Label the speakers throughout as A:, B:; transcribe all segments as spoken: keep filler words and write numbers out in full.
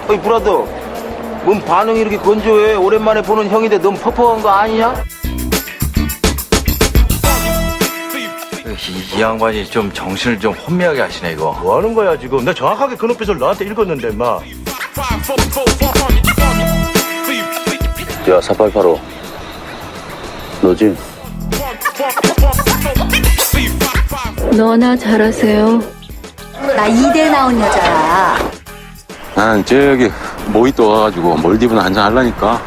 A: 어이 브라더, 뭔 반응이 이렇게 건조해? 오랜만에 보는 형인데 너무 퍽퍽한 거 아니냐?
B: 이, 이 양반이 좀 정신을 좀 혼미하게 하시네 이거.
C: 뭐 하는 거야 지금? 나 정확하게 그 눈빛을 너한테 읽었는데 마.
D: 야, 사팔팔오. 너지?
E: 너나 잘하세요.
F: 나 이대 나온 여자야.
D: 난 저기 모히또 가가지고 몰디브나 한잔 하려니까.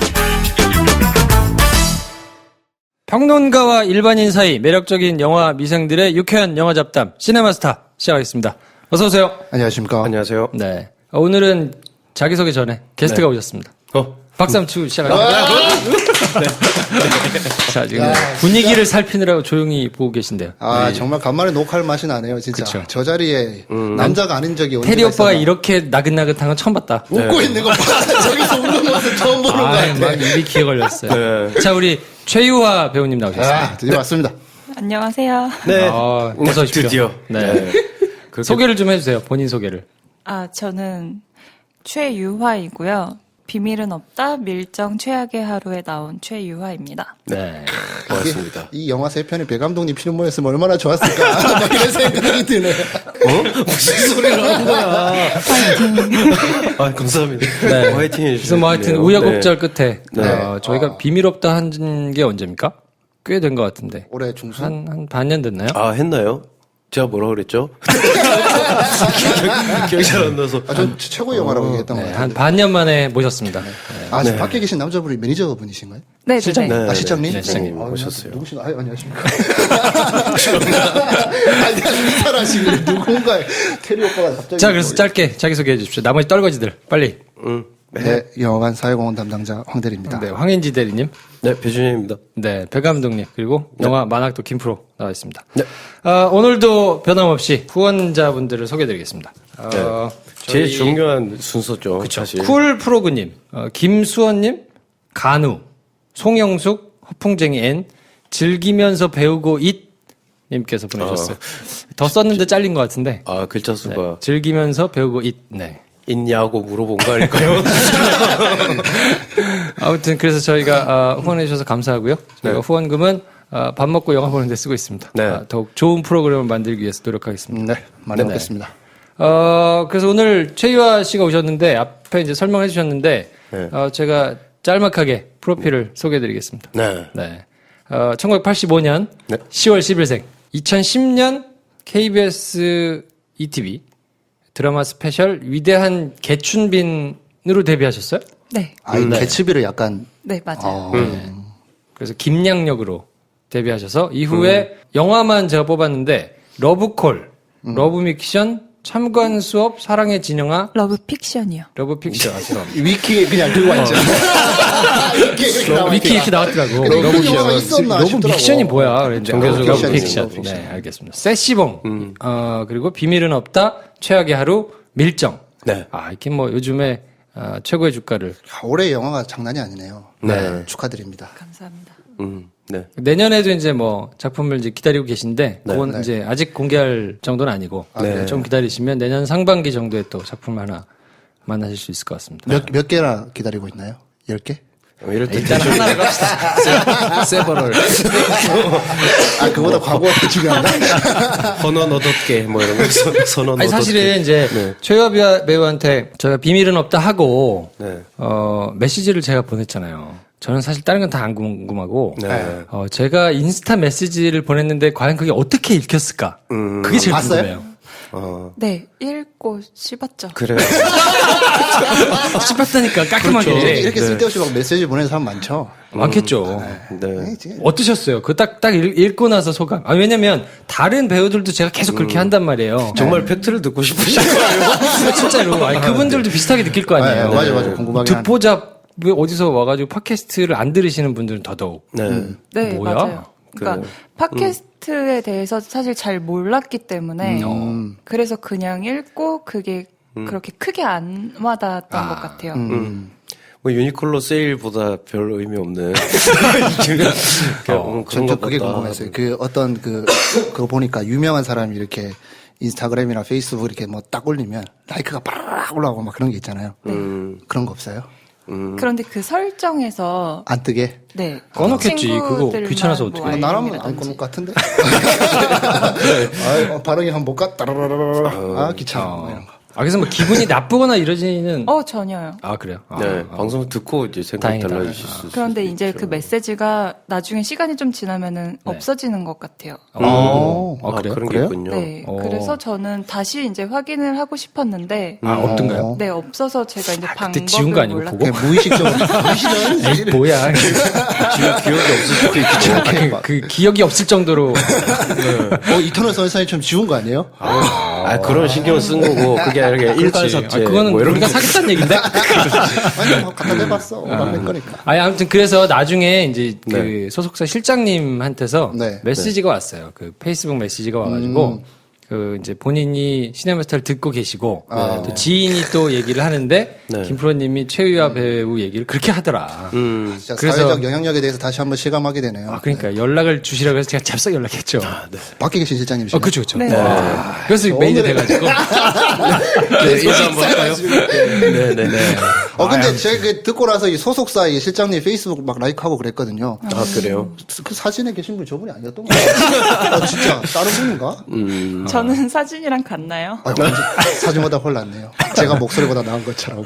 G: 평론가와 일반인 사이 매력적인 영화 미생들의 유쾌한 영화 잡담 시네마스타 시작하겠습니다. 어서 오세요.
H: 안녕하십니까.
C: 안녕하세요.
G: 네. 어, 오늘은 자기소개 전에 게스트가
C: 네.
G: 오셨습니다.
C: 어?
G: 박수 한번 치고 시작합니다. 네. 자, 지금
H: 야,
G: 분위기를 살피느라고 조용히 보고 계신데요.
H: 아, 정말 간만에 녹화할 맛이 나네요, 진짜.
G: 그쵸.
H: 저 자리에 남자가 아닌 적이 언제가
G: 테리 오빠가
H: 있었나.
G: 이렇게 나긋나긋한 건 처음 봤다.
H: 웃고 있는 거 봐. 저기서 웃는 모습 처음 보는 거
G: 아,
H: 같아.
G: 막 입이 귀에 걸렸어요.
C: 네.
G: 자, 우리 최유화 배우님 나오셨습니다.
H: 아, 드디어 왔습니다.
I: 안녕하세요.
C: 네.
G: 아, 어서 오십시오.
C: 드디어.
G: 네. 소개를 좀 해주세요. 본인 소개를.
I: 아, 저는 최유화이고요. 비밀은 없다. 밀정 최악의 하루에 나온 최유화입니다.
G: 네.
C: 고맙습니다.
H: 이 영화 세 편이 배 감독님 필모였으면 얼마나 좋았을까. 막 이런 생각이 드네.
C: 어? 무슨 소리를 하는 거야? 아, 감사합니다.
G: 네.
C: 화이팅 해주세요.
G: 그래서 뭐 하여튼 우여곡절 끝에
C: 네.
G: 어, 저희가 비밀 없다 한 게 언제입니까? 꽤 된 것 같은데.
H: 올해 중순.
G: 한, 한 반년 됐나요?
C: 아, 했나요? 제가 뭐라 그랬죠? 기억- 기억이 잘 안 나서.
H: 아, 전 최고의 영화라고 얘기했던 것
G: 네,
H: 같아요.
G: 한 반년 만에 모셨습니다.
H: 아, 지금 밖에 계신 남자분이 매니저분이신가요?
I: 네,
G: 실장.
I: 네.
C: 네.
H: 아, 실장님?
G: 네, 실장님
H: 어,
C: 오셨어요.
H: 누구신가? 아, 안녕하십니까. 아니, 인사를 하시고 누군가 테리 오빠가 갑자기.
G: 자, 그래서 짧게 자기소개해 주십시오. 나머지 떨거지들, 빨리.
C: 응.
H: 네, 영화관 사회공헌 담당자 황대리입니다.
G: 네, 황인지 대리님.
C: 네, 배준현입니다.
G: 네, 배 감독님. 그리고 영화 만학도 김프로 나와 있습니다.
C: 네.
G: 어, 오늘도 변함없이 후원자분들을 소개해 드리겠습니다. 어,
C: 제일
G: 저희
C: 중요한 순서죠. 사실.
G: 쿨 프로그님, 어, 김수원님, 간우, 송영숙, 허풍쟁이 N, 즐기면서 배우고 잇 님께서 보내주셨어요. 더 썼는데 잘린 것 같은데.
C: 아, 글자
G: 네,
C: 수가
G: 즐기면서 배우고 잇. 네.
C: 있냐고 물어본 거 아닐까요?
G: 아무튼 그래서 저희가 어, 후원해 주셔서 감사하고요. 저희가
C: 네.
G: 후원금은 어, 밥 먹고 영화 보는 데 쓰고 있습니다.
C: 네.
G: 아, 더욱 좋은 프로그램을 만들기 위해서 노력하겠습니다.
H: 네, 많이 먹겠습니다.
G: 어, 그래서 오늘 최유화 씨가 오셨는데 앞에 이제 설명해 주셨는데
C: 네.
G: 어, 제가 짤막하게 프로필을 소개해 드리겠습니다.
C: 네.
G: 네. 어, 천구백팔십오 년
C: 네.
G: 시월 십일생, 이천십 년 케이비에스 이티비 드라마 스페셜 위대한 개춘빈으로 데뷔하셨어요?
I: 네.
H: 아, 이 개츠비를 약간.
I: 네, 맞아요.
G: 음. 그래서 김양역으로 데뷔하셔서 이후에 영화만 제가 뽑았는데 러브콜, 러브믹션, 참관 수업, 사랑의 진영아,
I: 러브 픽션이요.
G: 러브픽션.
H: 위키에 그냥 들고 왔죠. 위키에 이렇게 나와
G: 위키 이렇게 나왔더라고.
H: 근데 그 영화가 있었나
G: 러브
H: 싶더라고.
G: 믹션이 뭐야? 그랬는데
H: 정교수
G: 러브
H: 러브
G: 픽션.
H: 픽션.
G: 네, 알겠습니다. 세시봉, 어, 그리고 비밀은 없다, 최악의 하루, 밀정.
C: 네.
G: 아, 이렇게 뭐 요즘에 아, 최고의 주가를.
H: 아, 올해 영화가 장난이 아니네요.
C: 네.
H: 축하드립니다.
I: 감사합니다.
C: 음, 네.
G: 내년에도 이제 뭐 작품을 이제 기다리고 계신데
C: 네.
G: 그건
H: 네.
G: 이제 아직 공개할 정도는 아니고
C: 네.
G: 좀 기다리시면 내년 상반기 정도에 또 작품 하나 만나실 수 있을 것 같습니다.
H: 몇, 몇 개나 기다리고 있나요? 열 개?
C: 어, 이럴 때
G: 일단 하나를 갑시다. 세버럴.
H: 아, 그보다 과거가 더 중요하다?
C: 선언 얻었게 뭐 이런 거 선언
G: 아니
C: 얻었게.
G: 사실은 이제
C: 네.
G: 최유화 배우한테 저희가 비밀은 없다 하고
C: 네.
G: 어 메시지를 제가 보냈잖아요. 저는 사실 다른 건 다 안 궁금하고
C: 네.
G: 어 제가 인스타 메시지를 보냈는데 과연 그게 어떻게 읽혔을까?
C: 음.
G: 그게 제일
H: 봤어요?
G: 궁금해요.
C: 어.
I: 네, 읽고 씹었죠.
C: 그래요.
G: 씹었다니까 깔끔하게.
H: 이렇게, 이렇게
C: 네.
H: 쓸데없이 막 메시지 보내는 사람 많죠?
G: 많겠죠.
C: 네.
G: 어떠셨어요? 그 딱, 딱 읽- 읽고 나서 소감. 아, 왜냐면, 다른 배우들도 제가 계속 그렇게 한단 말이에요.
C: 정말 팩트를 듣고 싶으신 거예요?
G: 아, 진짜로. 아니, 그분들도 비슷하게 느낄 거 아니에요.
H: 네, 맞아, 맞아. 궁금하긴 한.
G: 듣보잡, 왜 어디서 와가지고 팟캐스트를 안 들으시는 분들은 더더욱.
C: 네.
I: 네,
G: 뭐야?
I: 맞아요. 그러니까 팟캐스트에 대해서 사실 잘 몰랐기 때문에 그래서 그냥 읽고 그게 그렇게 크게 안 와닿았던 것 같아요.
C: 음. 뭐 유니클로 세일보다 별 의미 없는 그냥 음, 그런
H: 저
C: 것
H: 그게
C: 같다.
H: 궁금했어요. 그 어떤 그, 그거 보니까 유명한 사람이 이렇게 인스타그램이나 페이스북 이렇게 뭐 딱 올리면 라이크가 빠르르 올라오고 막 그런 게 있잖아요.
I: 음.
H: 그런 거 없어요?
I: 그런데 그 설정에서
H: 안 뜨게?
I: 네
G: 꺼놓겠지. 그거
I: 친구들만
G: 귀찮아서
I: 뭐
G: 어떻게.
H: 나라면 안
I: 알림이라든지.
H: 꺼놓을 것 같은데? 아, 어, 발음이 한번 볼까? 따라라라라. 아, 귀찮아. 뭐 이런 거.
G: 아, 그래서 뭐 기분이 나쁘거나 이러지는.
I: 어 전혀요.
G: 아, 그래요? 아,
C: 네,
G: 아.
C: 방송 듣고 이제 생각
G: 다행이다.
C: 달라지실 수 있어요.
I: 그런데 이제 그 메시지가 나중에 시간이 좀 지나면은 없어지는 것 같아요.
G: 어,
H: 어,
G: 아, 그래요?
C: 그런 게
H: 그래요?
C: 있군요.
I: 네,
G: 어.
I: 그래서 저는 다시 이제 확인을 하고 싶었는데
G: 아, 없던가요?
I: 네 없어서 제가 이제 방법을
G: 그때 지운 거 아니고
I: 몰랐-
G: 보고?
H: 그냥 무의식적으로. 무의식은
G: 에이, 뭐야.
C: 기억이 없을 수도 있겠죠.
G: 그, 그 기억이 없을 정도로.
H: 어, 이터널 선샤인처럼 지운 거 아니에요?
C: 아, 그런 신경 쓴 거고, 그게 아니라 일괄
G: 아,
C: 삭제.
G: 그거는
C: 뭐 이런
G: 우리가
C: 거.
G: 사겠다는 얘기인데?
H: 아니, 뭐 갖다 대봤어. 오만 거니까.
G: 아니, 아무튼 그래서 나중에 이제 그
C: 네.
G: 소속사 실장님한테서
H: 네.
G: 메시지가 왔어요. 그 페이스북 메시지가 와가지고, 그 이제 본인이 시네마스터를 듣고 계시고, 또 지인이 또 얘기를 하는데,
C: 네.
G: 김프로님이 최유아 배우 얘기를 그렇게 하더라.
C: 음.
H: 진짜
G: 그래서-
H: 사회적 영향력에 대해서 다시 한번 실감하게 되네요.
G: 아, 그러니까 연락을 주시라고 해서 제가 잽싸게 연락했죠.
H: 밖에 계신 실장님이시죠?
G: 어, 그쵸, 그쵸.
I: 네.
G: 아, 그래서 메인이 돼가지고.
C: 네, 인사 한번 할까요? 네네네.
H: 어, 근데 제가 그 듣고 나서 이 소속사 이 실장님 페이스북 막 라이크하고 그랬거든요.
C: 아, 그래요?
H: 그 사진에 계신 분이 저분이 아니었던 거 같아요. 아, 진짜. 다른 분인가?
C: 음.
I: 저는 사진이랑 같나요?
H: 아, 완전 사진보다 홀랐네요. 제가 목소리보다 나은 것처럼.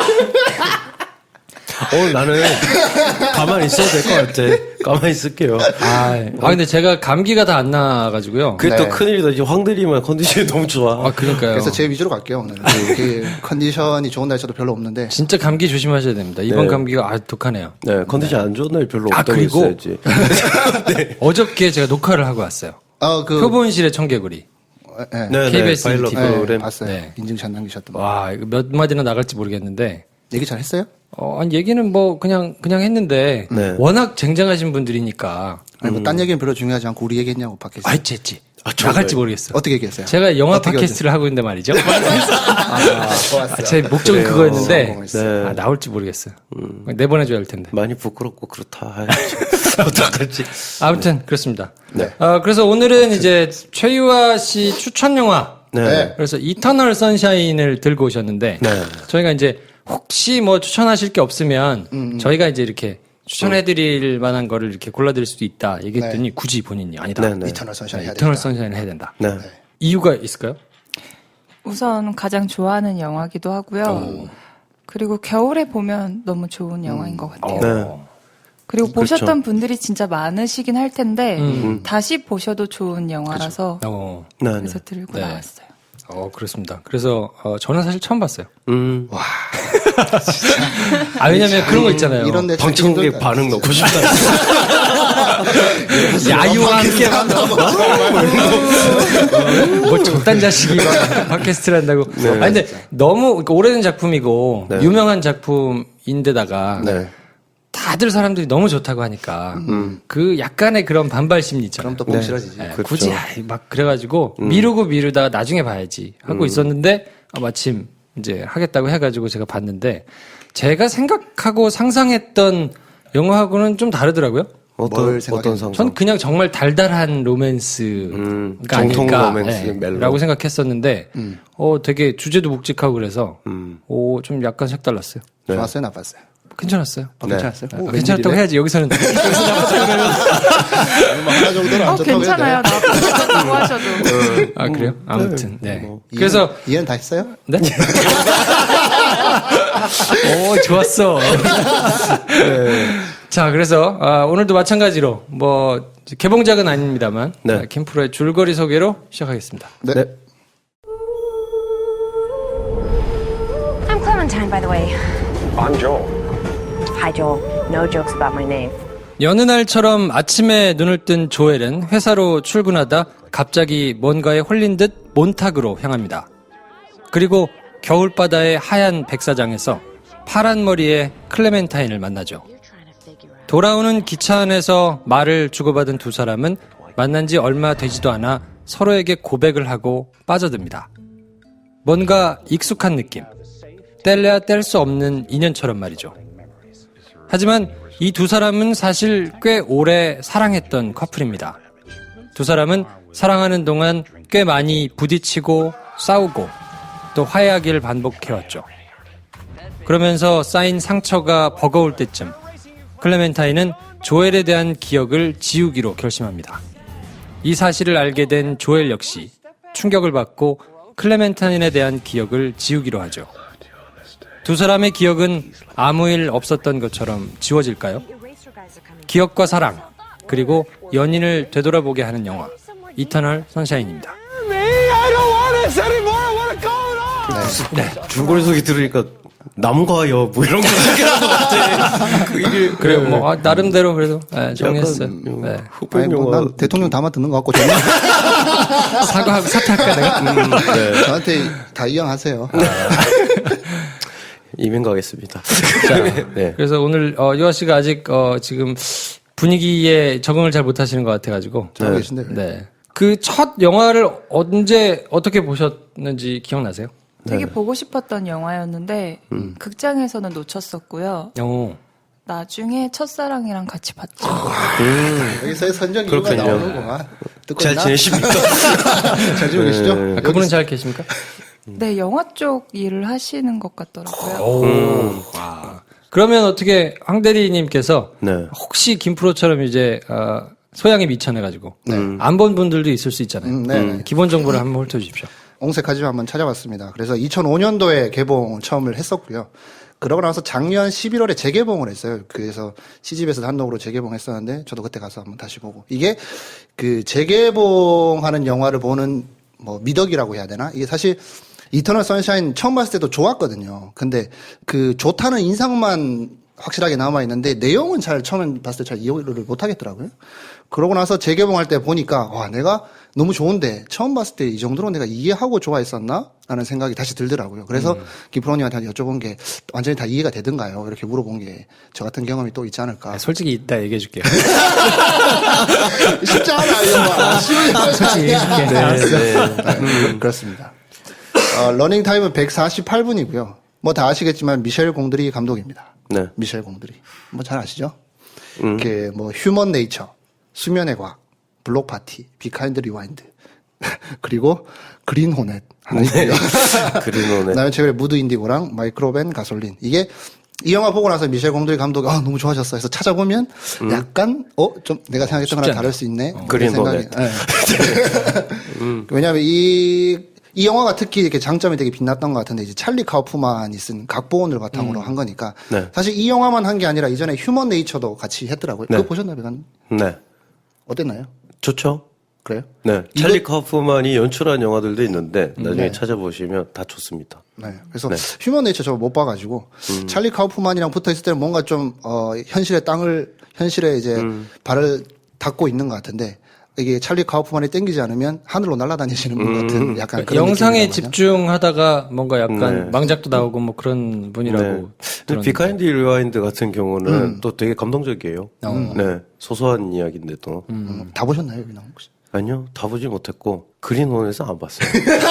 C: 오늘 나는 가만히 있어도 될 것 같아. 가만히 있을게요.
G: 아, 아, 근데 제가 감기가 다 안 나가지고요.
C: 그게
H: 네.
C: 또 큰일이다. 지금 황대리만 컨디션이 너무 좋아.
G: 아, 그러니까요.
H: 그래서 제 위주로 갈게요, 오늘. 그 컨디션이 좋은 날짜도 별로 없는데.
G: 진짜 감기 조심하셔야 됩니다. 이번
C: 네.
G: 감기가 아 독하네요.
C: 네, 컨디션 안 좋은 날 별로
G: 아,
C: 없다고
G: 그리고-
C: 했어야지.
G: 어저께 제가 녹화를 하고 왔어요.
H: 아, 그.
G: 표본실의 청개구리.
H: 네.
C: 네,
G: 케이비에스
C: 파일럿
G: 티비.
H: 네,
C: 프로그램.
H: 봤어요.
G: 네.
H: 인증샷 남기셨던 거.
G: 와, 이거 몇 마디나 나갈지 모르겠는데.
H: 얘기 잘 했어요?
G: 어, 아니, 얘기는 뭐, 그냥, 그냥 했는데.
C: 네.
G: 워낙 쟁쟁하신 분들이니까.
H: 아니, 뭐, 딴 얘기는 별로 중요하지 않고 우리 얘기했냐고, 팟캐스트.
G: 아, 했지, 했지.
C: 아, 좋은
G: 나갈지
C: 거예요.
G: 모르겠어.
H: 어떻게 얘기했어요?
G: 제가 영화
H: 어떻게
G: 팟캐스트를 하고 있는데 말이죠.
H: 아,
G: 아, 제 목적은
C: 그래요.
G: 그거였는데.
H: 성공했어요.
G: 아, 나올지 모르겠어요. 내보내줘야 할 텐데.
C: 많이 부끄럽고 그렇다. 아이, 참. 어떡하지?
G: 아무튼, 그렇습니다.
H: 네.
G: 어, 그래서 오늘은 이제 최유아 씨 추천 영화.
C: 네.
H: 네.
G: 그래서 이터널 선샤인을 들고 오셨는데
C: 네.
G: 저희가 이제 혹시 뭐 추천하실 게 없으면 저희가 이제 이렇게 추천해드릴 만한 거를 이렇게 골라드릴 수도 있다 얘기했더니 굳이 본인이 아니다.
C: 네, 네.
H: 이터널 선샤인 해야
G: 이터널
H: 된다.
G: 선샤인을 해야 된다.
C: 네.
G: 이유가 있을까요?
I: 우선 가장 좋아하는 영화기도 하고요. 그리고 겨울에 보면 너무 좋은 영화인 것 같아요.
C: 네.
I: 그리고
C: 그렇죠.
I: 보셨던 분들이 진짜 많으시긴 할 텐데
G: 음.
I: 다시 보셔도 좋은 영화라서
G: 어,
C: 네. 네.
I: 그래서 들고
G: 네.
I: 나왔어요.
G: 어 그렇습니다. 그래서 어, 저는 사실 처음 봤어요.
C: 음.
G: 아 왜냐면 그런 거 있잖아요.
H: 이런 내
C: 방청객 반응 넣고 싶다.
G: 야유와 함께 뭐 저딴 자식이 막 팟캐스트를 한다고.
C: 네.
G: 아니 근데 너무 그러니까 오래된 작품이고
C: 네.
G: 유명한 작품인데다가
C: 네.
G: 다들 사람들이 너무 좋다고 하니까 그 약간의 그런 반발 심리 있잖아요.
H: 그럼 또 뽕 싫어지지.
G: 네,
C: 그렇죠.
G: 굳이 아이, 막 그래가지고 미루고 미루다가 나중에 봐야지 하고 있었는데 아, 마침 이제 하겠다고 해가지고 제가 봤는데 제가 생각하고 상상했던 영화하고는 좀 다르더라고요.
C: 어떤,
H: 뭘 생각했는지.
C: 어떤 상상?
G: 전 그냥 정말 달달한 로맨스가
C: 음,
G: 아닐까
C: 정통 로맨스,
G: 네,
C: 멜로.
G: 라고 생각했었는데 어 되게 주제도 묵직하고 그래서
C: 음.
G: 어, 좀 약간 색달랐어요.
C: 네.
H: 좋았어요, 나빴어요?
G: 괜찮았어요.
H: 아,
C: 네.
H: 괜찮았어요?
G: 아,
H: 오,
G: 괜찮았다고
H: 웬일이래?
G: 해야지 여기서는
H: 뭐 하나 정도는 안
I: 어,
H: 좋다고
I: 괜찮아요.
H: 해야 돼.
I: 나쁘다고 하셔도.
G: 아 그래요? 아무튼 네.
C: 뭐.
G: 그래서
H: 이해는, 이해는 다 했어요?
G: 네? 오, 좋았어. 네. 자, 그래서, 아, 오늘도 마찬가지로, 뭐, 개봉작은 아닙니다만,
C: 네.
G: 아, 김프로의 줄거리 소개로 시작하겠습니다.
H: 네.
C: 네.
J: I'm Clementine, by the way. I'm Joel. Hi, Joel. No jokes about my name.
G: 여느 날처럼 아침에 눈을 뜬 조엘은 회사로 출근하다 갑자기 뭔가에 홀린 듯 몬탁으로 향합니다. 그리고 겨울바다의 하얀 백사장에서 파란 머리의 클레멘타인을 만나죠. 돌아오는 기차 안에서 말을 주고받은 두 사람은 만난 지 얼마 되지도 않아 서로에게 고백을 하고 빠져듭니다. 뭔가 익숙한 느낌. 뗄래야 뗄 수 없는 인연처럼 말이죠. 하지만 이 두 사람은 사실 꽤 오래 사랑했던 커플입니다. 두 사람은 사랑하는 동안 꽤 많이 부딪히고 싸우고 또 화해하기를 반복해왔죠. 그러면서 쌓인 상처가 버거울 때쯤 클레멘타인은 조엘에 대한 기억을 지우기로 결심합니다. 이 사실을 알게 된 조엘 역시 충격을 받고 클레멘타인에 대한 기억을 지우기로 하죠. 두 사람의 기억은 아무 일 없었던 것처럼 지워질까요? 기억과 사랑, 그리고 연인을 되돌아보게 하는 영화 이터널 선샤인입니다.
C: 네. 줄거리 소리 들으니까 남과 여 뭐 이런 거 생각나는 것 같아. 그 이게
G: 그래요. 뭐 아, 나름대로 그래도 네, 정했어요. 네.
C: 흑백
H: 아니, 뭐,
C: 영화.
H: 난 대통령 다만 듣는 것 같고 저는
G: 사과하고 사퇴할까 내가?
C: 음, 네.
H: 저한테 다 이양하세요.
C: 이민 가겠습니다.
G: 자,
C: 네.
G: 그래서 오늘 어, 유아 씨가 아직 어, 지금 분위기에 적응을 잘 못하시는 것 같아가지고.
H: 잘하고 계신데.
G: 네. 그 첫 영화를 언제 어떻게 보셨는지 기억나세요?
I: 되게 보고 싶었던 영화였는데 극장에서는 놓쳤었고요.
G: 어.
I: 나중에 첫사랑이랑 같이 봤죠.
H: 여기서의 선정 이유가
C: 그렇군요.
H: 나오는구만. 듣고
C: 잘
H: 있나?
C: 지내십니까?
H: 잘 지내고 계시죠?
G: 아, 그분은 잘 계십니까?
I: 네, 영화 쪽 일을 하시는 것 같더라고요.
G: 오. 와. 그러면 어떻게 황 대리님께서
C: 네.
G: 혹시 김프로처럼 이제 어, 소양에 미천해가지고 안 본 분들도 있을 수 있잖아요.
H: 음, 네.
G: 기본 정보를 한번 훑어주십시오.
H: 옹색하지만 한번 찾아봤습니다. 그래서 이천오 년도에 개봉 처음을 했었고요. 그러고 나서 작년 십일월에 재개봉을 했어요. 그래서 씨지비에서 단독으로 재개봉했었는데 저도 그때 가서 한번 다시 보고 이게 그 재개봉하는 영화를 보는 뭐 미덕이라고 해야 되나? 이게 사실 이터널 선샤인 처음 봤을 때도 좋았거든요. 근데 그 좋다는 인상만 확실하게 남아 있는데 내용은 잘 처음에 봤을 때 잘 이해를 못 하겠더라고요. 그러고 나서 재개봉할 때 보니까 와 내가 너무 좋은데 처음 봤을 때 이 정도로 내가 이해하고 좋아했었나? 라는 생각이 다시 들더라고요. 그래서 음. 김프로님한테 여쭤본 게 완전히 다 이해가 되던가요? 이렇게 물어본 게 저 같은 경험이 또 있지 않을까.
G: 아, 솔직히 이따 얘기해 줄게요.
H: 쉽지 않아 이거. 쉬운
G: 솔직히 얘기해 줄게.
H: 네, 네. 그렇습니다. 어, 러닝 타임은 백사십팔 분이고요. 뭐 다 아시겠지만 미셸 공드리 감독입니다.
C: 네.
H: 미셸 공드리. 뭐 잘 아시죠?
C: 음.
H: 이렇게 뭐 휴먼 네이처, 수면의 과학, 블록 파티, 비카인드 리와인드. 그리고 그린 호넷 하나 있고요.
C: 그린 호넷.
H: 그다음에 최근에 무드 인디고랑 마이크로벤 가솔린. 이게 이 영화 보고 나서 미셸 공드리 감독이 아, 너무 좋아졌어 해서 찾아보면 음. 약간 어 좀 내가 생각했던 거랑 다를 수 있네.
C: 어. 그린 호넷.
H: 네. 음. 왜냐하면 이 이 영화가 특히 이렇게 장점이 되게 빛났던 것 같은데 이제 찰리 카우프만이 쓴 각본을 바탕으로 음. 한 거니까
C: 네.
H: 사실 이 영화만 한 게 아니라 이전에 휴먼 네이처도 같이 했더라고요.
C: 네.
H: 그거 보셨나요, 배관?
C: 네.
H: 어땠나요?
C: 좋죠.
H: 그래요?
C: 네. 찰리 카우프만이 연출한 영화들도 있는데 나중에
H: 네.
C: 찾아보시면 다 좋습니다.
H: 네. 그래서
C: 네.
H: 휴먼 네이처 저 못 봐가지고 음. 찰리 카우프만이랑 붙어 있을 때는 뭔가 좀 어, 현실의 땅을 현실에 이제 음. 발을 닿고 있는 것 같은데. 이게 찰리 카우프만이 땡기지 않으면 하늘로 날아다니시는 분 같은
G: 음.
H: 약간 그런
G: 영상에
H: 느낌이라고
G: 집중하다가 뭔가 약간
C: 네.
G: 망작도 나오고 뭐 그런 분이라고.
C: 네. 비카인드 리와인드 같은 경우는
H: 음.
C: 또 되게 감동적이에요.
G: 음.
C: 네. 소소한 이야기인데도.
H: 음. 다 보셨나요, 여기 나온 혹시?
C: 아니요. 다 보지 못했고 그린 호넷은 안 봤어요.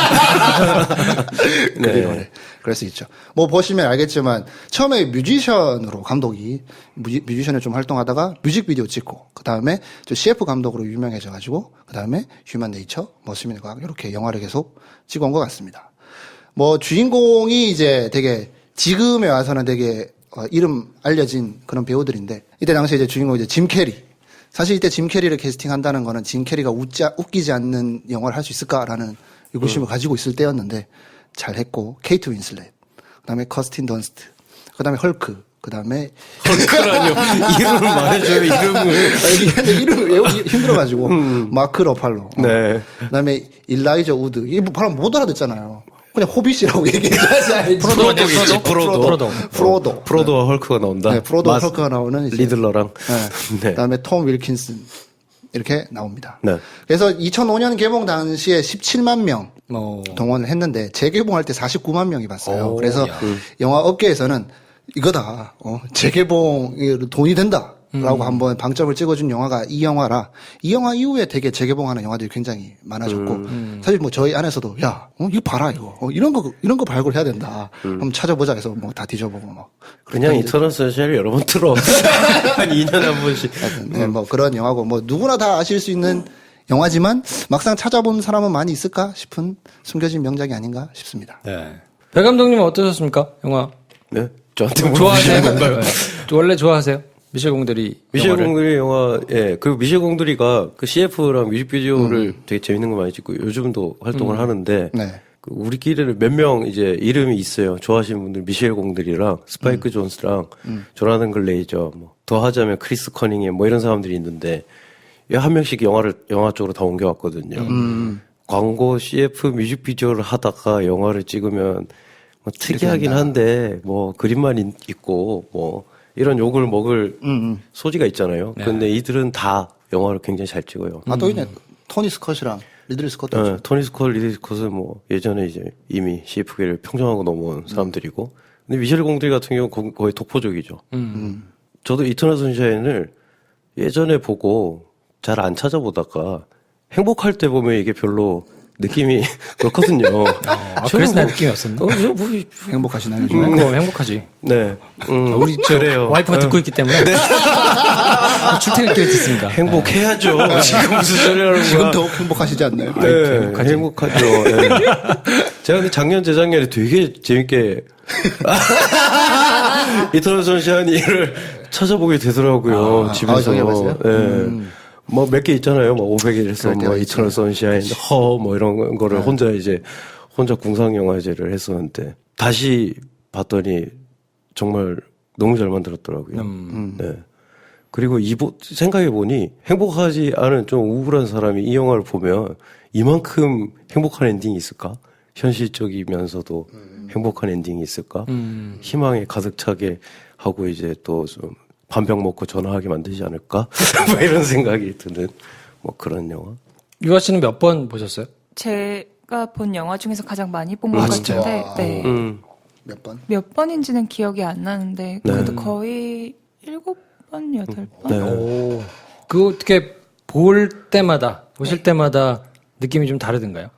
H: 네. 그래. 그럴 수 있죠. 뭐 보시면 알겠지만 처음에 뮤지션으로 감독이 뮤지, 뮤지션을 좀 활동하다가 뮤직비디오 찍고 그 다음에 씨에프 감독으로 유명해져가지고 그 다음에 휴먼 네이처, 뭐 수면의 과학 이렇게 영화를 계속 찍어온 것 같습니다. 뭐 주인공이 이제 되게 지금에 와서는 되게 어, 이름 알려진 그런 배우들인데 이때 당시에 이제 주인공이 이제 짐 캐리. 사실 이때 짐 캐리를 캐스팅한다는 거는 짐 캐리가 웃지, 웃기지 않는 영화를 할 수 있을까라는 의구심을 음. 가지고 있을 때였는데 잘했고 케이트 윈슬렛, 그다음에 커스틴 던스트, 그다음에 헐크, 그다음에
C: 헐크라뇨. 이름을 말해줘요. 이름을.
H: 이게 이름을 외우기 힘들어가지고 음. 마크 러팔로,
C: 네.
H: 그다음에 일라이저 우드. 이게 뭐 바로 못 알아듣잖아요. 그냥 호빗이라고 얘기해야지.
C: 프로도겠지. 프로도.
G: 프로도.
H: 프로도.
C: 프로도와 헐크가 나온다.
H: 네, 프로도와
C: 마스,
H: 헐크가 나오는 이제
C: 리들러랑.
H: 네.
C: 네.
H: 그다음에 톰 윌킨슨 이렇게 나옵니다.
C: 네.
H: 그래서 이천오 년 개봉 당시에 십칠만 명
G: 오.
H: 동원을 했는데 재개봉할 때 사십구만 명이 봤어요.
G: 오,
H: 그래서
G: 야.
H: 영화 업계에서는 이거다. 어, 재개봉이 돈이 된다. 라고 음. 한번 방점을 찍어준 영화가 이 영화라 이 영화 이후에 되게 재개봉하는 영화들이 굉장히 많아졌고
G: 음.
H: 사실 뭐 저희 안에서도 야 어, 이거 봐라 이거 어, 이런 거 이런 거 발굴해야 된다 음. 한번 찾아보자 해서 뭐 다 뒤져보고 막
C: 그냥 이터널 선샤인을 여러 번 틀어 한 이 년에 한 번씩
H: 네, 뭐 그런 영화고 뭐 누구나 다 아실 수 있는 영화지만 막상 찾아본 사람은 많이 있을까 싶은 숨겨진 명작이 아닌가 싶습니다.
G: 네. 배 감독님은 어떠셨습니까? 영화.
C: 네? 저한테
G: 좋아하세요?
C: 건가요?
G: 네. 원래 좋아하세요? 미셸 공들이.
C: 미셸
G: 영화를?
C: 공들이 영화, 예. 그리고 미셸 공들이가 그 씨에프랑 뮤직비디오를
H: 음.
C: 되게 재밌는 거 많이 찍고 요즘도 활동을
G: 음.
C: 하는데.
H: 네.
C: 그 우리끼리는 몇 명 이제 이름이 있어요. 좋아하시는 분들 미셸 공들이랑 스파이크
H: 음.
C: 존스랑
H: 음.
C: 조나단 글레이저 뭐 더 하자면 크리스 커닝햄 뭐 이런 사람들이 있는데 한 명씩 영화를 영화 쪽으로 다 옮겨왔거든요.
H: 음.
C: 광고 씨에프 뮤직비디오를 하다가 영화를 찍으면 뭐 특이하긴
H: 한다.
C: 한데 뭐 그림만 있, 있고 뭐 이런 욕을 먹을
H: 음, 음.
C: 소지가 있잖아요.
G: 네.
C: 근데 이들은 다 영화를 굉장히 잘 찍어요.
H: 아, 또 있네. 토니 스컷이랑 리들리 스컷도
C: 네,
H: 있죠.
C: 토니 스콜, 리리 스콧은 뭐 예전에 이제 이미 씨에프계를 평정하고 넘어온 사람들이고, 근데 미셸 공드리 같은 경우는 거- 거의 독보적이죠.
G: 음.
C: 저도 이터널 선샤인을 예전에 보고 잘 안 찾아보다가 행복할 때 보면 이게 별로 느낌이 그렇거든요.
G: 아, 그래서 나 느낌이 없었나?
C: 어, 저 뭐,
H: 행복하시나요, 요즘에?
G: 음, 뭐 행복하지.
C: 네, 음,
G: 우리 저
C: 그래요.
G: 와이프가 듣고 있기 때문에. 출퇴근길에 듣습니다.
C: 행복해야죠. 지금 무슨 소리 하는 거야?
H: 지금 더욱 행복하시지 않나요?
C: 네,
G: 행복하지.
C: 행복하죠. 네. 제가 근데 작년, 재작년에 되게 재밌게 이터널 선샤인을 찾아보게 되더라고요.
H: 아,
C: 집에서.
H: 아, 저기 해봤어요?
C: 네.
H: 음.
C: 뭐 몇 개 있잖아요. 뭐 오백 일에서
H: 그럴 때가
C: 뭐
H: 있죠.
C: 이터널 선샤인, 허, 뭐 이런 거를
H: 네.
C: 혼자 이제 혼자 궁상영화제를 했었는데 다시 봤더니 정말 너무 잘 만들었더라고요.
G: 음.
C: 네. 그리고 이보, 생각해보니 행복하지 않은 좀 우울한 사람이 이 영화를 보면 이만큼 행복한 엔딩이 있을까? 현실적이면서도 행복한 엔딩이 있을까?
G: 음.
C: 희망에 가득 차게 하고 이제 또 좀 반병 먹고 전화하게 만들지 않을까? 뭐 이런 생각이 드는 뭐 그런 영화.
G: 유아 씨는 몇 번 보셨어요?
I: 제가 본 영화 중에서 가장 많이 본 것
G: 아,
I: 같은데,
H: 진짜요?
I: 네.
C: 음.
H: 몇 번?
I: 몇 번인지는 기억이 안 나는데,
C: 네.
I: 그래도 거의 일곱 번, 여덟 번?
C: 네.
G: 오. 그 어떻게 볼 때마다, 보실 때마다 느낌이 좀 다르던가요?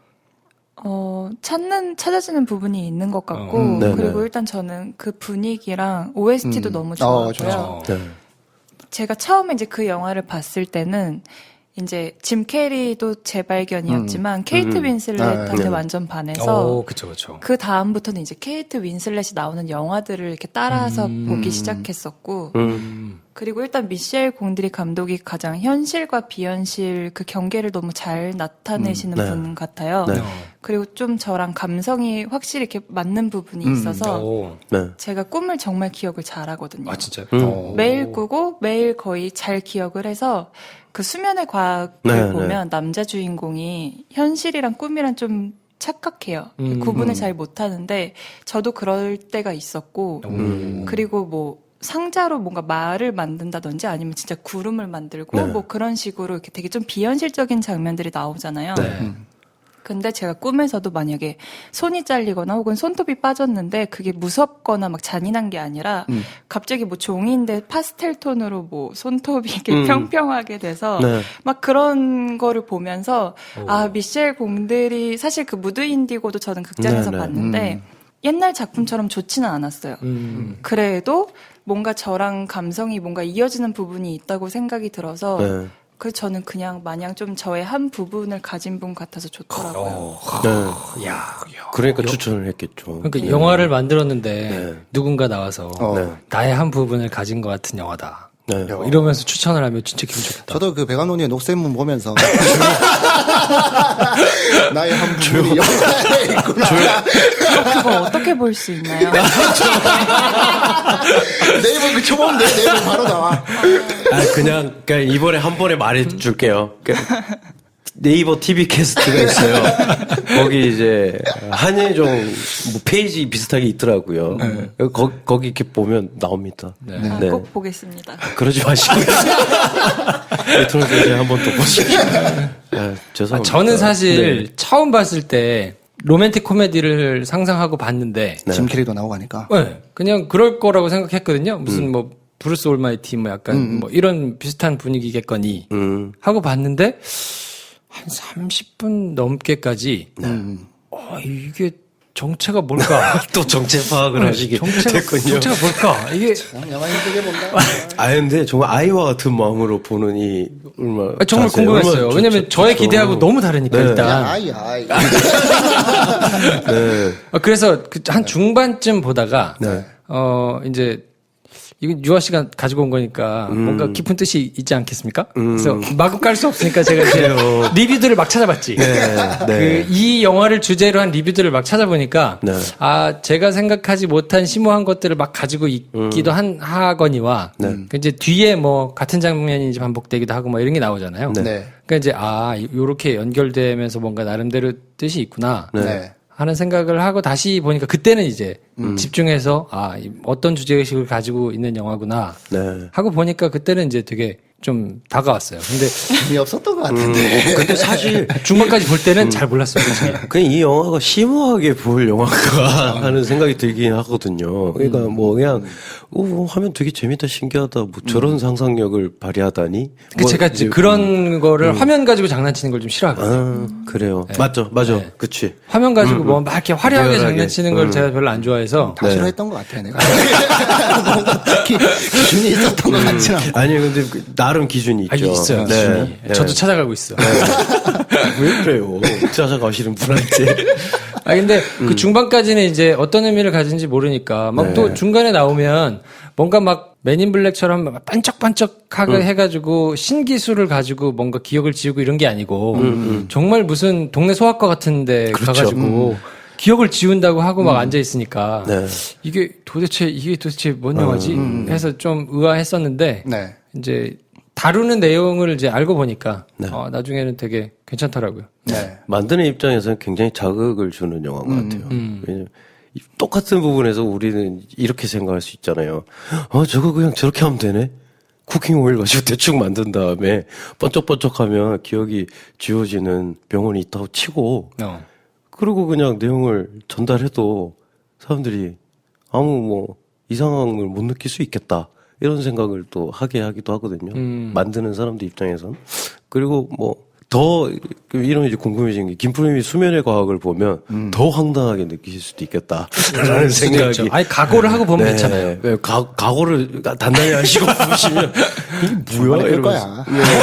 I: 어, 찾는, 찾아지는 부분이 있는 것 같고,
G: 어,
C: 음, 네네.
I: 그리고 일단 저는 그 분위기랑 오에스티도
H: 음.
I: 너무
H: 어,
I: 좋았고요.
H: 좋죠.
C: 네.
I: 제가 처음에 이제 그 영화를 봤을 때는 이제 짐 캐리도 재발견이었지만 케이트
C: 음.
I: 윈슬렛한테
C: 네.
I: 완전 반해서
G: 오, 그쵸, 그쵸.
I: 그 다음부터는 이제 케이트 윈슬렛이 나오는 영화들을 이렇게 따라서
G: 음.
I: 보기 시작했었고,
C: 음.
I: 그리고 일단 미셸 공드리 감독이 가장 현실과 비현실 그 경계를 너무 잘 나타내시는
C: 음. 네.
I: 분 같아요.
C: 네.
I: 그리고 좀 저랑 감성이 확실히 이렇게 맞는 부분이
H: 음.
I: 있어서
G: 오.
C: 네.
I: 제가 꿈을 정말 기억을 잘하거든요.
G: 아, 진짜요?
C: 음.
G: 어.
I: 매일 꾸고 매일 거의 잘 기억을 해서 그 수면의 과학을
C: 네,
I: 보면 남자 주인공이 현실이랑 꿈이랑 좀 착각해요.
G: 음.
I: 구분을 잘 못하는데 저도 그럴 때가 있었고
C: 음.
I: 그리고 뭐 상자로 뭔가 말을 만든다든지 아니면 진짜 구름을 만들고
C: 네.
I: 뭐 그런 식으로 이렇게 되게 좀 비현실적인 장면들이 나오잖아요.
G: 네.
I: 근데 제가 꿈에서도 만약에 손이 잘리거나 혹은 손톱이 빠졌는데 그게 무섭거나 막 잔인한 게 아니라
H: 음.
I: 갑자기 뭐 종이인데 파스텔 톤으로 뭐 손톱이 이렇게
C: 음.
I: 평평하게 돼서
C: 네.
I: 막 그런 거를 보면서
G: 오.
I: 아 미셸 공들이 사실 그 무드 인디고도 저는 극장에서
C: 네, 네.
I: 봤는데
H: 음.
I: 옛날 작품처럼 좋지는 않았어요.
G: 음.
I: 그래도 뭔가 저랑 감성이 뭔가 이어지는 부분이 있다고 생각이 들어서
C: 네.
I: 그래서 저는 그냥 마냥 좀 저의 한 부분을 가진 분 같아서 좋더라고요.
C: 네.
G: 야.
C: 그러니까 추천을 했겠죠.
G: 그러니까 영화를 만들었는데
C: 네.
G: 누군가 나와서
H: 어.
C: 네.
G: 나의 한 부분을 가진 것 같은 영화다.
C: 네.
G: 뭐 이러면서 추천을 하면 진짜 기분 좋겠다.
H: 저도 그 백암론의 녹색문 보면서 나의 한 부분이 영화에 있구나.
I: 그걸 어떻게 볼 수 있나요?
H: 네이버 그 쳐보면 돼. 네이버 바로 나와.
C: 아, 그냥, 그냥 이번에 한 번에 말해줄게요. 그러니까 네이버 티비 캐스트가 있어요. 거기 이제 한예종 뭐 페이지 비슷하게 있더라고요. 거, 거기 이렇게 보면 나옵니다.
G: 네.
I: 아,
C: 네.
I: 꼭 보겠습니다.
C: 그러지 마시고요. 레트로 이제 한 번 더 보십시오. 아, 죄송합니다.
G: 아, 저는 사실
C: 네.
G: 처음 봤을 때 로맨틱 코미디를 상상하고 봤는데
C: 네.
H: 짐 캐리도 나오고 하니까.
G: 네, 그냥 그럴 거라고 생각했거든요. 무슨 뭐 브루스 올마이티 뭐 약간
H: 음.
G: 뭐 이런 비슷한 분위기겠거니
C: 음,
G: 하고 봤는데 한 삼십 분 넘게까지
H: 음.
G: 어, 이게 정체가 뭘까?
C: 또 정체 파악을 하시게
G: 정체가,
C: 됐군요.
G: 정체가 뭘까? 이게
H: 영화 힘들게 본다.
C: 아 근데 정말 아이와 같은 마음으로 보는 이 얼마
G: 아, 정말
C: 자세,
G: 궁금했어요.
C: 얼마나
G: 왜냐면
C: 좋-
G: 저의
C: 좋죠.
G: 기대하고 너무 다르니까
C: 네.
G: 일단.
H: 아이 아이.
C: 네.
G: 어, 그래서 그 한 중반쯤 보다가
C: 네.
G: 어 이제 이건 유아 씨가 가지고 온 거니까
C: 음.
G: 뭔가 깊은 뜻이 있지 않겠습니까? 그래서 마구 깔 수 없으니까 제가 이제 리뷰들을 막 찾아봤지.
C: 네. 네.
G: 그 이 영화를 주제로 한 리뷰들을 막 찾아보니까
C: 네.
G: 아 제가 생각하지 못한 심오한 것들을 막 가지고 있기도 한 하거니와
C: 네.
G: 그 이제 뒤에 뭐 같은 장면이 이제 반복되기도 하고 뭐 이런 게 나오잖아요.
H: 네.
G: 그러니까 이제 아 요렇게 연결되면서 뭔가 나름대로 뜻이 있구나.
H: 네.
G: 하는 생각을 하고 다시 보니까 그때는 이제 집중해서 아 이- 어떤 주제의식을 가지고 있는 영화구나
C: 네.
G: 하고 보니까 그때는 이제 되게 좀 다가왔어요. 근데
H: 재미없었던 것 같은데.
C: 근데 사실
G: 중반까지 볼 때는 잘 몰랐어요. 솔직히.
C: 그냥 이 영화가 심오하게 볼 영화가 하는 생각이 들긴 하거든요. 그러니까 뭐 그냥 오, 하면 되게 재밌다, 신기하다, 뭐 저런 상상력을 발휘하다니.
G: 그
C: 뭐
G: 제가 이제
C: 이제-
G: 그런 거를 화면 가지고 장난치는 걸 좀 싫어하거든요.
C: 아, 그래요. 맞죠, 맞아,
G: 네.
C: 그치.
G: 화면 가지고 뭐 막 이렇게 화려하게
C: 리얼하게.
G: 장난치는 걸 제가 별로 안 좋아해서
H: 다 싫어했던 것 같아 내가. 뭔가 특히 기준이 있었던 것 같지는 않고.
C: 아니 근데 그 나름 기준이 있죠.
G: 아, 있어요.
C: 네.
G: 기준이.
C: 네.
G: 저도 찾아가고 있어.
C: 왜 그래요? 찾아가시는 분한테.
G: 아 근데 그 중반까지는 이제 어떤 의미를 가진지 모르니까 막 또
C: 네.
G: 중간에 나오면 뭔가 막 맨인 블랙처럼 막 반짝반짝하게 해가지고 신기술을 가지고 뭔가 기억을 지우고 이런 게 아니고 정말 무슨 동네 소아과 같은데 가가지고 기억을 지운다고 하고 막 앉아 있으니까
C: 네.
G: 이게 도대체 이게 도대체 뭔 영화지 해서 좀 의아했었는데
H: 네.
G: 이제 다루는 내용을 이제 알고 보니까
C: 네.
G: 어, 나중에는 되게 괜찮더라고요.
H: 네.
C: 만드는 입장에서는 굉장히 자극을 주는 영화인 것 같아요. 왜냐면 이 똑같은 부분에서 우리는 이렇게 생각할 수 있잖아요. 어, 저거 그냥 저렇게 하면 되네? 쿠킹 오일 가지고 대충 만든 다음에 번쩍번쩍하면 기억이 지워지는 병원이 있다고 치고,
G: 어.
C: 그리고 그냥 내용을 전달해도 사람들이 아무 뭐 이상함을 못 느낄 수 있겠다. 이런 생각을 또 하게 하기도 하거든요.
G: 음.
C: 만드는 사람들 입장에선. 그리고 뭐, 더, 이런 이제 궁금해진 게, 김프로님이 수면의 과학을 보면 더 황당하게 느끼실 수도 있겠다. 라는
G: 수도
C: 생각이.
G: 있죠. 아니 각오를 하고 보면
C: 네.
G: 괜찮아요.
C: 네, 가, 각오를 단단히 하시고 보시면, 이게 뭐야?
H: 그럴
C: 이러면서.
H: 거야.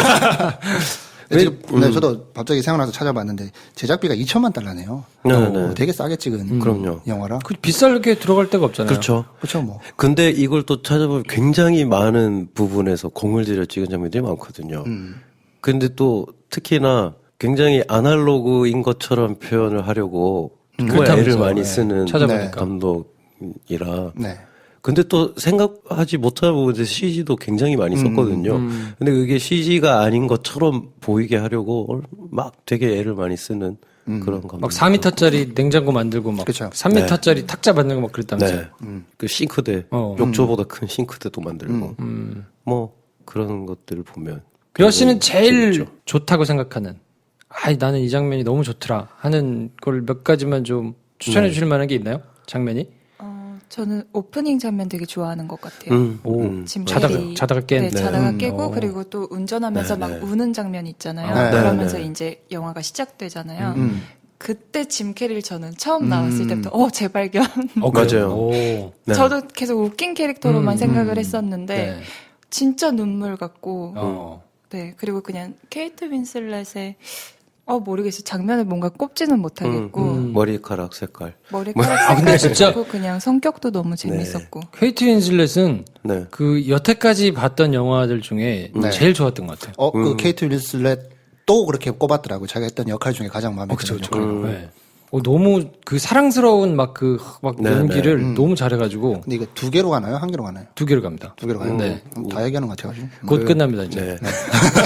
H: 네, 지금, 네, 저도 갑자기 생각나서 찾아봤는데 제작비가 이천만 달러네요.
C: 네,
H: 어,
C: 네.
H: 되게 싸게 찍은
C: 그럼요.
H: 영화라.
G: 그 비싸게 들어갈 데가 없잖아요.
C: 그렇죠.
H: 그렇죠, 뭐.
C: 근데 이걸 또 찾아보면 굉장히 많은 부분에서 공을 들여 찍은 장면들이 많거든요.
H: 음.
C: 근데 또 특히나 굉장히 아날로그인 것처럼 표현을 하려고 정말 애를
G: 그렇다면서요.
C: 많이
G: 네.
C: 쓰는
G: 찾아보니까.
C: 감독이라.
H: 네.
C: 근데 또 생각하지 못한 부분에서 씨지도 굉장히 많이 썼거든요.
G: 음.
C: 근데 그게 씨지가 아닌 것처럼 보이게 하려고 막 되게 애를 많이 쓰는 그런 감독.
G: 막 사 미터짜리 냉장고 만들고 막
H: 그쵸.
G: 삼 미터짜리 탁자 만들고 막 그랬다면서요.
C: 네. 그 싱크대,
G: 어.
C: 욕조보다 큰 싱크대도 만들고, 뭐 그런 것들을 보면.
G: 유아 씨는
C: 굉장히
G: 제일
C: 재밌죠.
G: 좋다고 생각하는 아이 나는 이 장면이 너무 좋더라 하는 걸 몇 가지만 좀 추천해
C: 네.
G: 주실 만한 게 있나요? 장면이?
I: 어, 저는 오프닝 장면 되게 좋아하는 것 같아요.
C: 음,
G: 오,
C: 음,
I: 짐
G: 자다가
I: 캐리.
G: 자다가 깬.
I: 네, 자다가
H: 음.
I: 깨고
G: 어.
I: 그리고 또 운전하면서
C: 네,
I: 막
C: 네.
I: 우는 장면 있잖아요.
H: 네,
I: 그러면서
C: 네.
I: 이제 영화가 시작되잖아요.
H: 음.
I: 그때 짐 캐리를 저는 처음 나왔을 때부터 어 재발견.
G: 어,
C: 맞아요.
G: 그래요? 오.
C: 네.
I: 저도 계속 웃긴 캐릭터로만
G: 음,
I: 생각을
G: 음.
I: 했었는데
G: 네.
I: 진짜 눈물 같고
G: 어.
I: 네 그리고 그냥 케이트 윈슬렛의 어 모르겠어요 장면을 뭔가 꼽지는 못하겠고
G: 음.
C: 머리카락 색깔.
I: 머리카락
G: 아, 근데
I: 색깔도
G: 진짜-
I: 좋고 그냥 성격도 너무 재밌었고
G: 케이트 윈슬렛은
C: 네.
G: 그 여태까지 봤던 영화들 중에
H: 네.
G: 제일 좋았던 것 같아요.
H: 어, 그
C: 음.
H: 케이트 윌슬렛 또 그렇게 꼽았더라고. 자기가 했던 역할 중에 가장 마음에
G: 어, 그쵸,
H: 드는
G: 그쵸.
H: 역할.
G: 네. 어, 너무 그 사랑스러운 막 그 막
C: 네,
G: 연기를
H: 네.
G: 너무 잘해가지고
H: 근데 이게 두 개로 가나요? 한 개로 가나요?
G: 두 개로 갑니다.
H: 두 개로 가요?
G: 네.
H: 음, 다 얘기하는 것 같아가지고.
G: 곧 끝납니다 이제.
C: 네.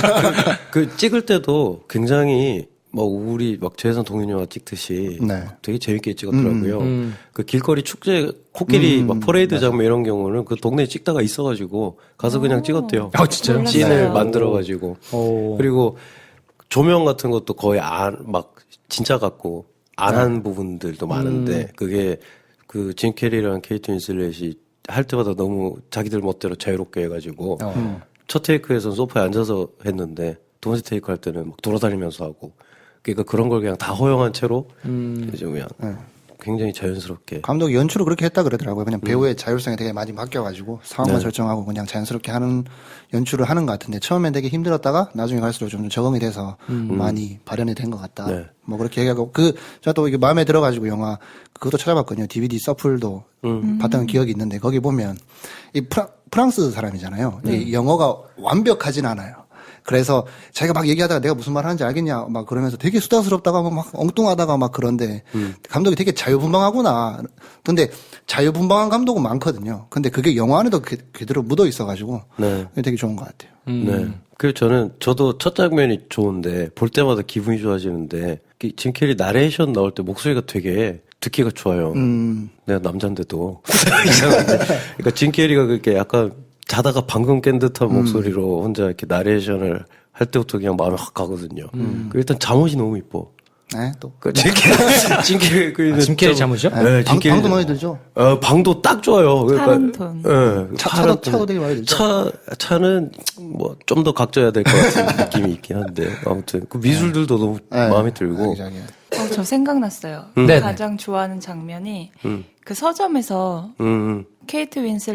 C: 그 찍을 때도 굉장히 뭐 우리 막 재산 동인영화 찍듯이
H: 네.
C: 되게 재밌게 찍었더라고요.
G: 음.
C: 그 길거리 축제 코끼리 막 퍼레이드 장면 이런 경우는 그 동네에 찍다가 있어가지고 가서 그냥 찍었대요.
G: 아, 진짜요?
I: 몰랐어요.
C: 씬을
I: 네.
C: 만들어가지고
G: 오.
C: 그리고 조명 같은 것도 거의 안 막 진짜 같고 안 한 부분들도 많은데 그게 그 짐 캐리랑 케이트 윈슬렛이 할 때마다 너무 자기들 멋대로 자유롭게 해가지고
G: 어.
C: 첫 테이크에서는 소파에 앉아서 했는데 두 번째 테이크 할 때는 막 돌아다니면서 하고 그러니까 그런 걸 그냥 다 허용한 채로 이제 그냥 굉장히 자연스럽게.
H: 감독이 연출을 그렇게 했다 그러더라고요. 그냥 배우의 자율성에 되게 많이 맡겨가지고 상황만
C: 네.
H: 설정하고 그냥 자연스럽게 하는 연출을 하는 것 같은데 처음엔 되게 힘들었다가 나중에 갈수록 좀 적응이 돼서 많이 발현이 된 것 같다.
C: 네.
H: 뭐 그렇게 얘기하고 그 제가 또 이게 마음에 들어가지고 영화 그것도 찾아봤거든요. 디비디 서플도 봤던 기억이 있는데 거기 보면 이 프라, 프랑스 사람이잖아요. 이 영어가 완벽하진 않아요. 그래서 자기가 막 얘기하다가 내가 무슨 말 하는지 알겠냐 막 그러면서 되게 수다스럽다가 막 엉뚱하다가 막 그런데
C: 음.
H: 감독이 되게 자유분방하구나. 근데 자유분방한 감독은 많거든요. 근데 그게 영화 안에도 그, 그대로 묻어 있어가지고
C: 네.
H: 되게 좋은 것 같아요.
C: 네. 그 저는 저도 첫 장면이 좋은데 볼 때마다 기분이 좋아지는데 그 짐 캐리 나레이션 나올 때 목소리가 되게 듣기가 좋아요.
H: 음.
C: 내가 남잔데도 이상한데. 그러니까 짐 캐리가 그렇게 약간 자다가 방금 깬 듯한 목소리로 혼자 이렇게 나레이션을 할 때부터 그냥 마음이 확 가거든요. 그 일단 잠옷이 너무 이뻐.
H: 네, 또.
C: 그 짐 캐리, 짐 캐리 그
G: 아, 짐 캐리 잠옷이요?
C: 네,
H: 방,
C: 짐 캐리.
H: 방도 많이 들죠?
C: 어, 방도 딱 좋아요. 그러니까,
I: 파란 톤.
C: 예,
H: 차,
C: 파란
H: 차도,
C: 톤.
H: 차도 되게 많이 들죠?
C: 차, 차는 뭐 좀 더 각져야 될 것 같은 느낌이 있긴 한데 아무튼 그 미술들도 너무
H: 네.
C: 마음에 들고.
H: 자기자기.
I: 어, 저 생각났어요.
G: 네네.
I: 가장 좋아하는 장면이
C: 음.
I: 그 서점에서
C: 음, 음.
I: 케이트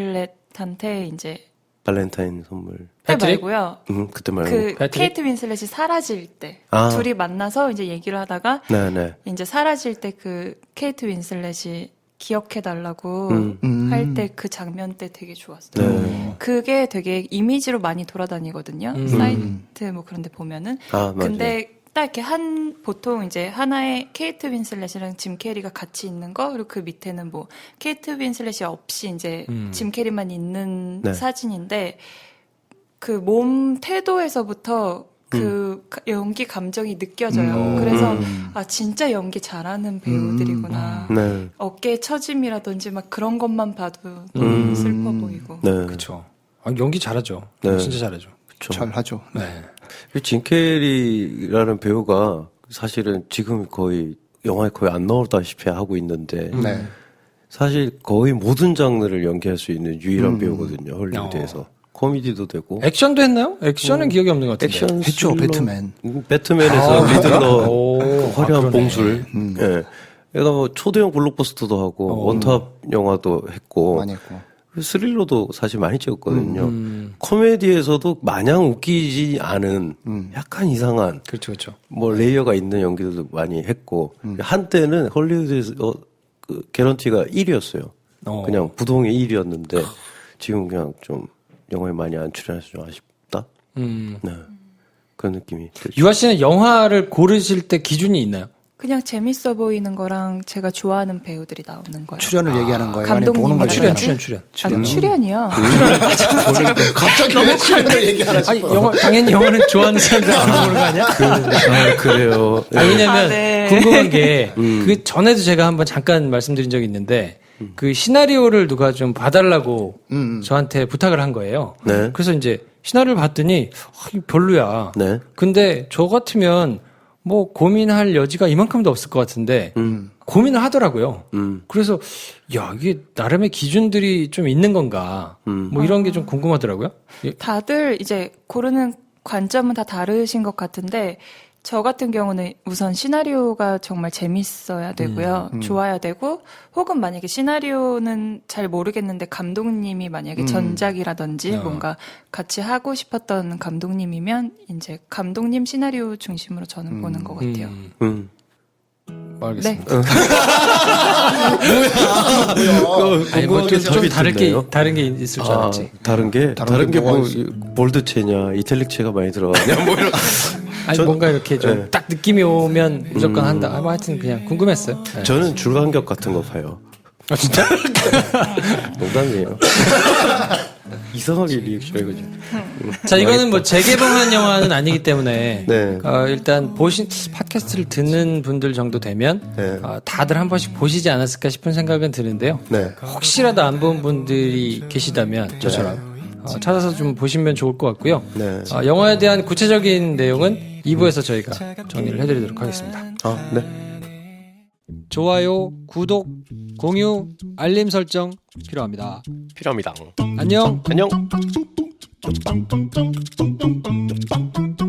I: 윈슬렛한테 이제
C: 발렌타인 선물.
I: 그때
G: 패트릭?
I: 말고요.
C: 음, 그때 말고.
I: 그
G: 패트릭?
I: 케이트 윈슬렛이 사라질 때
C: 아.
I: 둘이 만나서 이제 얘기를 하다가
C: 네네.
I: 이제 사라질 때 그 케이트 윈슬렛이 기억해 달라고
C: 음.
H: 음.
I: 할 때 그 장면 때 되게 좋았어요.
C: 네.
I: 그게 되게 이미지로 많이 돌아다니거든요.
G: 음.
I: 사이트 뭐 그런 데 보면은.
C: 아, 맞아요.
I: 근데 딱 이렇게 한 보통 이제 하나의 케이트 윈슬렛이랑 짐 캐리가 같이 있는 거 그리고 그 밑에는 뭐 케이트 윈슬렛이 없이 이제
G: 음.
I: 짐 캐리만 있는
C: 네.
I: 사진인데 그 몸 태도에서부터 그
C: 음.
I: 가- 연기 감정이 느껴져요. 그래서 아 진짜 연기 잘하는 배우들이구나.
C: 네.
I: 어깨 처짐이라든지 막 그런 것만 봐도 너무
C: 음.
I: 슬퍼 보이고.
C: 네.
G: 그렇죠. 아, 연기 잘하죠.
C: 네.
G: 진짜 잘하죠.
C: 그쵸.
H: 잘 하죠.
G: 네.
C: 짐 캐리라는 배우가 사실은 지금 거의 영화에 거의 안 나오다시피 하고 있는데
H: 네.
C: 사실 거의 모든 장르를 연기할 수 있는 유일한 배우거든요. 헐리우드에서. 코미디도 되고.
G: 액션도 했나요? 액션은 기억이 없는 것 같은데.
C: 액션
H: 했죠,
C: 스릴러.
H: 배트맨.
C: 음, 배트맨에서 리들러
G: 오,
C: 그 화려한
G: 아, 그러네.
C: 봉술. 예. 얘가 뭐 초대형 블록버스터도 하고
G: 어.
C: 원탑 영화도 했고
H: 많이 했고.
C: 스릴러도 사실 많이 찍었거든요.
G: 음.
C: 코미디에서도 마냥 웃기지 않은 약간 이상한
G: 그렇죠, 그렇죠.
C: 뭐 레이어가 있는 연기들도 많이 했고 한때는 헐리우드에서 어, 그 개런티가 일 위였어요.
G: 어.
C: 그냥 부동의 일 위였는데 지금 그냥 좀 영화에 많이 안 출연해서 좀 아쉽다.
G: 음.
C: 네. 그런 느낌이 들죠.
G: 유아 씨는 영화를 고르실 때 기준이 있나요?
I: 그냥 재밌어 보이는 거랑 제가 좋아하는 배우들이 나오는 거예요.
H: 출연을 얘기하는 거예요. 아니면
I: 감독님
H: 보는 걸
G: 출연,
H: 얘기하는
G: 출연,
H: 거예요?
G: 출연.
I: 아, 출연이요.
H: 갑자기 왜 출연을 얘기하나
G: 아니,
H: 싶어요.
G: 영화, 당연히 영화는 좋아하는 사람들 안 보는 거 아니야?
C: 아, 그래요.
G: 아, 왜냐면
I: 아, 네.
G: 궁금한 게,
C: 음.
G: 그 전에도 제가 한번 잠깐 말씀드린 적이 있는데, 그 시나리오를 누가 좀 봐달라고
H: 음, 음.
G: 저한테 부탁을 한 거예요.
C: 네.
G: 그래서 이제 시나리오를 봤더니, 아, 이거 별로야.
C: 네.
G: 근데 저 같으면 뭐 고민할 여지가 이만큼도 없을 것 같은데,
C: 음.
G: 고민을 하더라고요.
C: 음.
G: 그래서, 야, 이게 나름의 기준들이 좀 있는 건가.
C: 음.
G: 뭐 이런 게 좀 궁금하더라고요. 예.
I: 다들 이제 고르는 관점은 다 다르신 것 같은데 저 같은 경우는 우선 시나리오가 정말 재밌어야 되고요. 좋아야 되고 혹은 만약에 시나리오는 잘 모르겠는데 감독님이 만약에 전작이라든지
G: 어.
I: 뭔가 같이 하고 싶었던 감독님이면 이제 감독님 시나리오 중심으로 저는 보는 것 같아요.
G: 음,
C: 음.
G: 알겠습니다.
I: 네.
G: 아니, 뭐 좀, 좀
C: 답이
G: 다를 게,
C: 듣네요.
G: 다른 게 있을 줄
C: 아,
G: 알았지.
C: 다른 게
H: 다른
C: 다른
H: 게
C: 게 뭐
H: 뭐가 있어?
C: 볼드체냐 이탈릭체가 많이 들어가냐 뭐 이런.
G: 아니,
C: 전-
G: 뭔가 이렇게 좀
C: 네.
G: 딱 느낌이 오면 무조건 한다. 아, 뭐 하여튼 그냥 궁금했어요. 네.
C: 저는 줄간격 같은 거 봐요.
G: 아, 진짜?
C: 농담이에요. 이상하게 리액션 해가지고.
G: 자, 이거는 뭐 재개봉한 영화는 아니기 때문에
C: 네.
G: 어, 일단 보신 팟캐스트를 듣는 분들 정도 되면
C: 네.
G: 어, 다들 한 번씩 보시지 않았을까 싶은 생각은 드는데요.
C: 네.
G: 혹시라도 안 본 분들이 계시다면 저처럼 어, 찾아서 좀 보시면 좋을 것 같고요.
C: 네.
G: 어, 영화에 대한 구체적인 내용은 이 부에서 저희가 정리를 해드리도록 하겠습니다.
C: 아, 네.
G: 좋아요, 구독, 공유, 알림 설정 필요합니다.
C: 필요합니다.
G: 안녕.
C: 안녕.